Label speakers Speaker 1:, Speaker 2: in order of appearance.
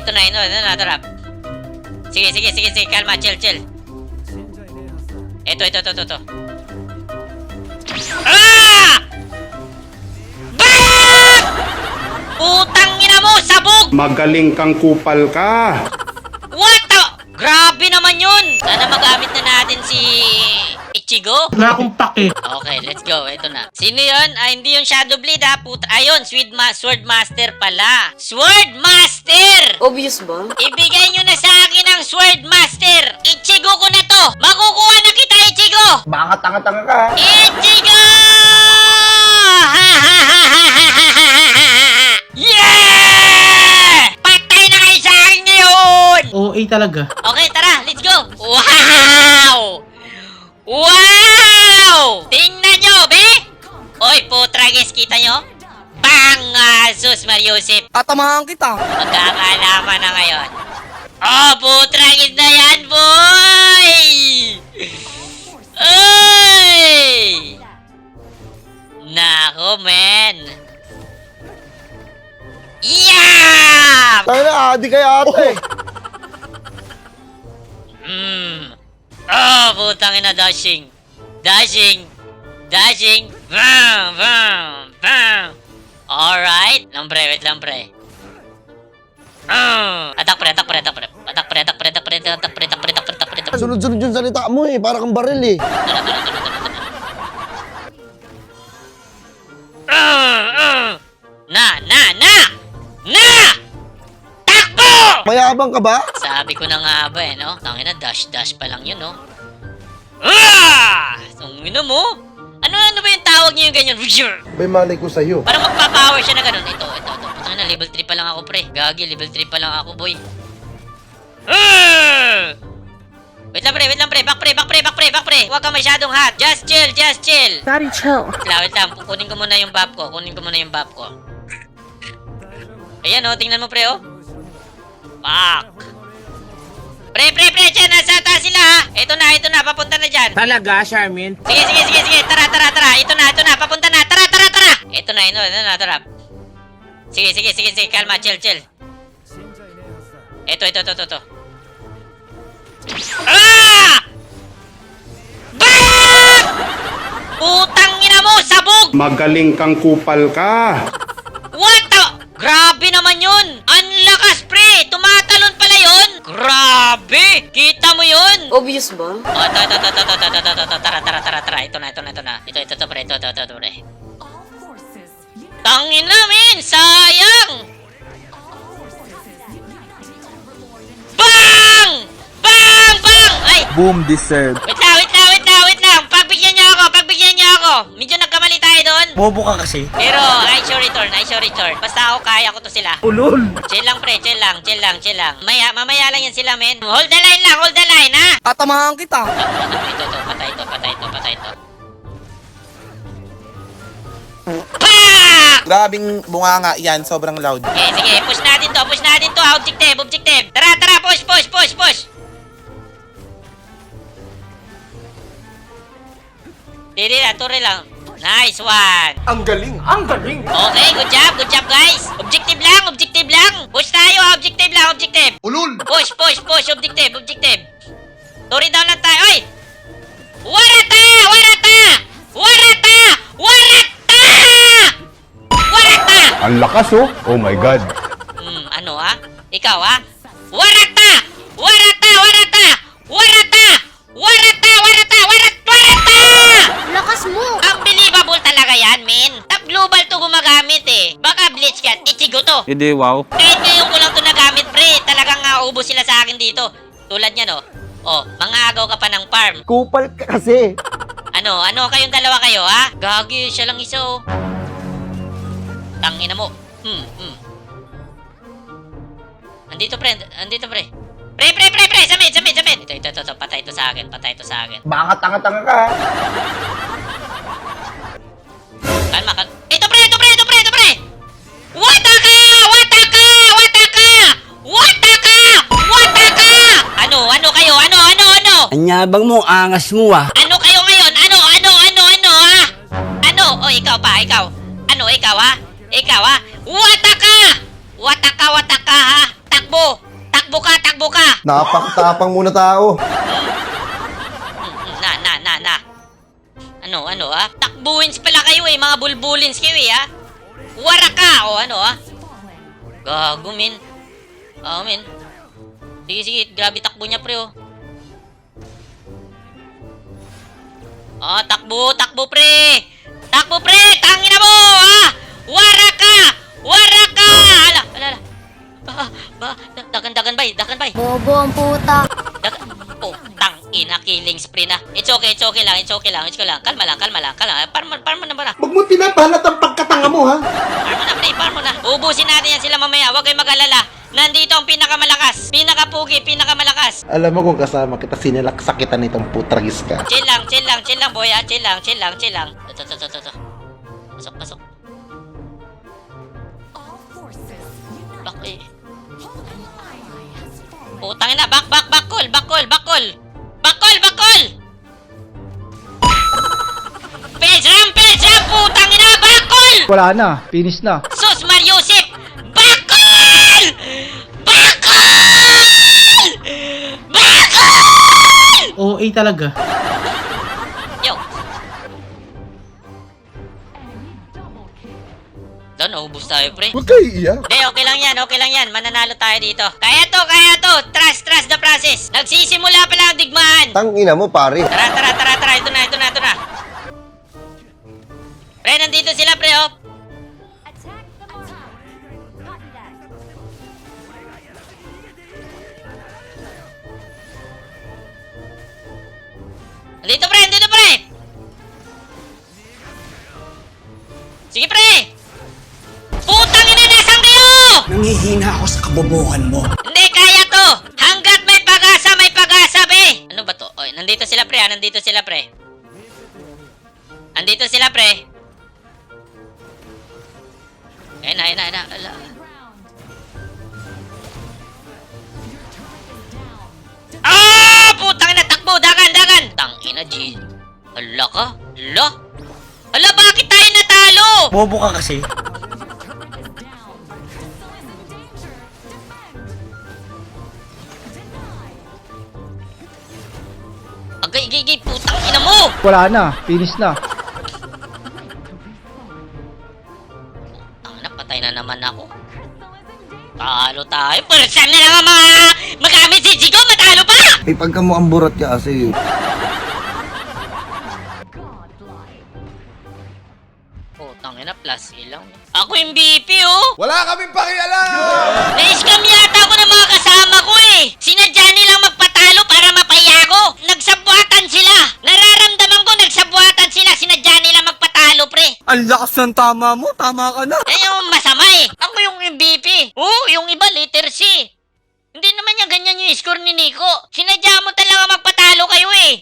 Speaker 1: Ito na, trap. Sige, kalma, chill. Ito. Ah! Bam! Putang ina mo, sabog!
Speaker 2: Magaling kang kupal ka.
Speaker 1: What the? Grabe naman yun! Sana magamit na natin si Ichigo.
Speaker 3: Wala akong pake.
Speaker 1: Okay, let's go. Ito na. Sino yun? Hindi yung Shadow Blade ha. Ayun, Sword Master pala. Sword Master!
Speaker 4: Obvious ba?
Speaker 1: Ibigay nyo na sa akin ang Sword Master. Ichigo ko na to. Makukuha na kita, Ichigo!
Speaker 5: Baka tanga-tanga ka.
Speaker 1: Ichigo! Yeah! Patay na kayo sa akin ngayon!
Speaker 3: OA talaga.
Speaker 1: Okay, tara, let's go! Wow! Wow! Tingnan nyo, be! Oy, putragis, kita nyo? Bang! Sus, Mariusip!
Speaker 4: Tatamahan kita.
Speaker 1: Magkakalaman na ngayon. Oh, putragis na yan, boy! Ay! Nako, men! Yeah!
Speaker 5: Tayo na, adi kay ate.
Speaker 1: Oh, putang ina, dashing. Bam. Alright. Wait lang, pre. Atak pre.
Speaker 5: Sunod-sunod yung salita mo eh, para kang baril eh.
Speaker 1: Na! Takbo!
Speaker 5: Mayabang ka ba?
Speaker 1: Sabi ko na nga ba eh, no? Tangina, dash pa lang yun, no? Tangina mo? Ano ba yung tawag niyo yung ganyan?
Speaker 5: May malay ko sa'yo.
Speaker 1: Para magpa-power siya na ganun. Ito. Tangina, level 3 pa lang ako, pre. Gagi, level 3 pa lang ako, boy. Wait lang, pre. Back, pre. Huwag ka masyadong hot. Just chill.
Speaker 4: Daddy, chill.
Speaker 1: Wait lang. Kunin ko muna yung buff ko. Ayan, oh. Tingnan mo, pre, oh. Fuck. Pre. Diyan, nasa taas sila, ha. Ito na. Papunta na dyan.
Speaker 3: Talaga, Charmin?
Speaker 1: Sige. Tara. Ito na. Papunta na. Tara. Ito na. Tara. Sige. Kalma. Chill. Ito. Ah! Bam! Putang ina mo, sabog!
Speaker 2: Magaling kang kupal ka.
Speaker 1: What the? Grabe naman yun! Ang lakas, pre! Tumatalon pala yun! Grabe! Kita mo yun?
Speaker 4: Obvious ba?
Speaker 1: Oh, ito. Tara. Ito na. Ito, pre. Tangin na, men! Sayang! Bang! Ay!
Speaker 6: Boom deserve.
Speaker 1: Wait lang! Pagbigyan niyo ako! Medyo nagkamali tayo doon.
Speaker 3: Bobo ka kasi.
Speaker 1: Pero, I show return. Basta ako, kaya ko to sila.
Speaker 3: Ulol.
Speaker 1: Chill lang, pre. Mamaya lang yan sila, men. Hold the line, ha?
Speaker 4: Tatamahan kita.
Speaker 1: Ito. Patay to. Pak!
Speaker 6: Grabing bunganga yan, sobrang loud.
Speaker 1: Sige. Push natin to. Objective. Tara. Push. Turi lang. Nice one.
Speaker 5: Ang galing.
Speaker 1: Okay, good job, guys. Objective lang. Push tayo, objective lang.
Speaker 5: Ulul.
Speaker 1: Push, objective. Turi down lang tayo. Oy! Warata!
Speaker 2: Ang lakas oh. Oh my God.
Speaker 1: Ano Ikaw Warata!
Speaker 4: Lakas mo.
Speaker 1: Unbelievable talaga yan, men. Top global to gumagamit eh. Baka Blitz ka, Ichigo to.
Speaker 6: Hindi, wow.
Speaker 1: Kahit ngayon ko lang to nagamit, pre. Talagang ubos sila sa akin dito. Tulad niyan, oh. Oh, mangagaw ka pa ng farm.
Speaker 5: Kupal ka kasi.
Speaker 1: Ano kayong dalawa kayo, ha? Gagi, siya lang isa, oh. Tangina mo. Andito, pre. Samid. Ito. Patay ito sa akin.
Speaker 5: Baka tanga-tanga ka.
Speaker 1: Kalma. Ito, pre. Wataka! Ano kayo?
Speaker 7: Anyabang mo, angas mo ah.
Speaker 1: Ano kayo ngayon? Ano, ha? Ano? O, ikaw pa, ikaw. Ano, ikaw, ha? Wataka, ha? Takbo!
Speaker 5: Napakatapang muna tao.
Speaker 1: Na. Ano, Takbuins pala kayo eh, mga bulbulins kayo eh, Waraka, o ano, Gago, min. Min. Sige, grabe takbo niya, pre, takbo, pre! Takbo, pre! Tangina mo, Waraka! Ala. Dagan bay.
Speaker 8: Bobo ang puta.
Speaker 1: Tangina, killing spree na. It's okay lang. Kalma lang. Parmo na ba na?
Speaker 5: Huwag mo pinapalat ang pagkatanga mo, ha?
Speaker 1: Parmo na. Ubusin natin yan sila mamaya. Huwag kayong mag-alala. Nandito ang pinakamalakas. Pinakapugi, pinakamalakas.
Speaker 5: Alam mo kung kasama kita, sinilaksa kita nitong putragis ka.
Speaker 1: Chill lang, boy, Chill lang. Ito. Pasok. Back, Putang ina, back, call. Page ram, putang ina, back, call!
Speaker 3: Wala na. Finish na.
Speaker 1: Sus, Mariusip! Back, call!
Speaker 3: OA talaga.
Speaker 1: Yo. Doon, naubos tayo, pre.
Speaker 5: Huwag kayo iiyak.
Speaker 1: Hindi, okay lang yan. Mananalo tayo dito. Kaya to. Trust the process. Nagsisimula pa lang ang digmaan.
Speaker 5: Tangina mo, pare.
Speaker 1: Tara. Ito na. Pre, nandito sila, pre, Nandito, pre. Sige, pre. Putang ina, nasaan kayo?
Speaker 7: Nangihina ako sa kabobohan mo.
Speaker 1: Hindi, kaya to. Hanggat may pag-asa, be. Ano ba to? Oy, nandito sila, pre. Nandito sila, pre. Ayun na. Ala. Putang ina, takbo. Dagan. Tangina, G. Ala ka? Ala, bakit tayo natalo?
Speaker 3: Bobo ka kasi.
Speaker 1: Agay, putang ina mo!
Speaker 3: Wala na. Finish na.
Speaker 1: Patay na naman ako. Talo tayo. Pero saan na lang ang mga magamit si Jigo? Matalo pa!
Speaker 5: Ay, pagka mo ang burat ka kasi.
Speaker 1: Putang ina, plus ilang. Ako yung BP,
Speaker 6: Wala kaming pakialam!
Speaker 1: Na-scam yata ako ng mga kasama ko Sinadya nilang magpatalo para mapaya ko. Nagsabwatan sila. Nararamdaman ko nagsabwatan sila. Sinadya nilang magpatalo, pre.
Speaker 3: Ang lakas ng tama mo. Tama ka na.
Speaker 1: Yan yung masama Ako yung MVP. Yung iba letter C. Hindi naman niya ganyan yung score ni Nico. Sinadya mo talaga magpatalo kayo